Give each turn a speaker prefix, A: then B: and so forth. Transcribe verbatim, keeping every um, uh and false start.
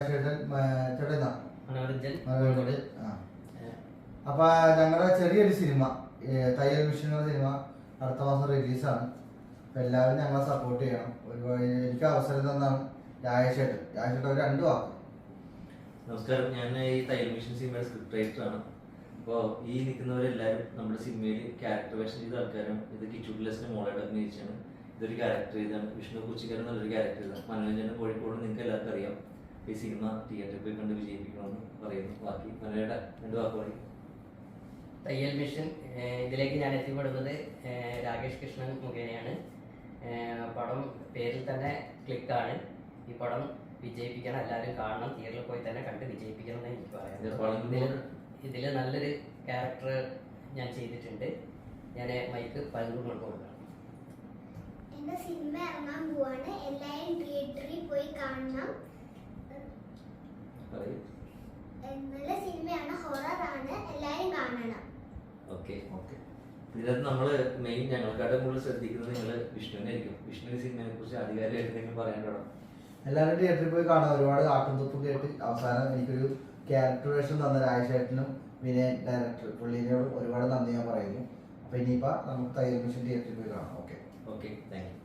A: അപ്പൊ ഞങ്ങളുടെ ചെറിയൊരു സിനിമ തയ്യൽ മിഷൻ സിനിമ അടുത്ത മാസം റിലീസാണ്. അപ്പൊ എല്ലാവരും ഞങ്ങളെ സപ്പോർട്ട് ചെയ്യണം. ഒരുപാട് എനിക്ക് അവസരം തന്നാണ് രാജേഷേട്ടൻ. രാജേഷേട്ടൻ ഒരു രണ്ടു വാക്ക്.
B: നമസ്കാരം, ഞാൻ ഈ തയ്യൽ മിഷൻ സിനിമയുടെ സ്ക്രിപ്റ്റ് റൈറ്ററാണ്. അപ്പോൾ ഈ നിൽക്കുന്നവരെല്ലാവരും നമ്മുടെ സിനിമയിൽ ക്യാരക്ടർ വേഷം ചെയ്ത ആൾക്കാരും. ഇത് കിച്ചുട്ടിലസിന്റെ മോളായിട്ട് അഭിനയിച്ചാണ്. ഇതൊരു ക്യാരക്ടർ ചെയ്താണ്. വിഷ്ണു കുച്ചിക്കരൻ നല്ലൊരു ക്യാരക്ടർ ചെയ്താണ്. മനോരഞ്ജന കോഴിക്കോട് നിങ്ങൾക്ക് എല്ലാവർക്കും അറിയാം. ഈ സിനിമ തിയേറ്ററിൽ പോയി കണ്ട് വിജയിപ്പിക്കണമെന്ന് പറയുന്നു. ബാക്കി മനോരയുടെ രണ്ട് വാക്ക് പറയും.
C: തയ്യൽ മിഷൻ ഇതിലേക്ക് ഞാൻ എത്തിപ്പെടുന്നത് രാകേഷ് കൃഷ്ണൻ മുഖേനയാണ്. പടം പേരിൽ തന്നെ ക്ലിക്കാണ്. ഈ പടം വിജയിപ്പിക്കണം, എല്ലാവരും കാണണം, തിയേറ്ററിൽ പോയി തന്നെ കണ്ട് വിജയിപ്പിക്കണം എന്ന് എനിക്ക് പറയാം. ഇതിൽ ഇതിൽ നല്ലൊരു ക്യാരക്ടർ ഞാൻ ചെയ്തിട്ടുണ്ട്. ഞാൻ മൈക്ക് പലതും കൊടുക്കണം.
D: എന്റെ സിനിമ ഇറങ്ങാൻ പോവാണ്. എല്ലാവരും തിയേറ്ററിൽ പോയി കാണണം. നല്ല സിനിമയാണ്, ഹൊററാണ്, എല്ലാവരും കാണണം.
B: ഓക്കെ ഓക്കെ ഇതിനകത്ത് നമ്മൾ മെയിൻ ഞങ്ങൾക്കായിട്ട് കൂടുതൽ ശ്രദ്ധിക്കുന്നത് നിങ്ങൾ വിഷ്ണുവിനെ ആയിരിക്കും. വിഷ്ണു സിനിമയെ കുറിച്ച് ആധികാരികമായിട്ട് നിങ്ങൾ പറയാനുണ്ടോ?
A: എല്ലാവരും തിയേറ്ററിൽ പോയി കാണാൻ. ഒരുപാട് കാട്ടും തുപ്പും കേട്ട് അവസാനം എനിക്കൊരു ക്യാരക്ടർ വേഷം തന്ന രാജേഷേട്ടനും വിനയൻ ഡയറക്ടർ പുള്ളിനോടും ഒരുപാട് നന്ദി ഞാൻ പറയുന്നു. അപ്പൊ ഇനിയിപ്പോ നമുക്ക് തയ്യൽ മിഷൻ തിയേറ്ററിൽ പോയി കാണാം. Okay
B: okay thank U.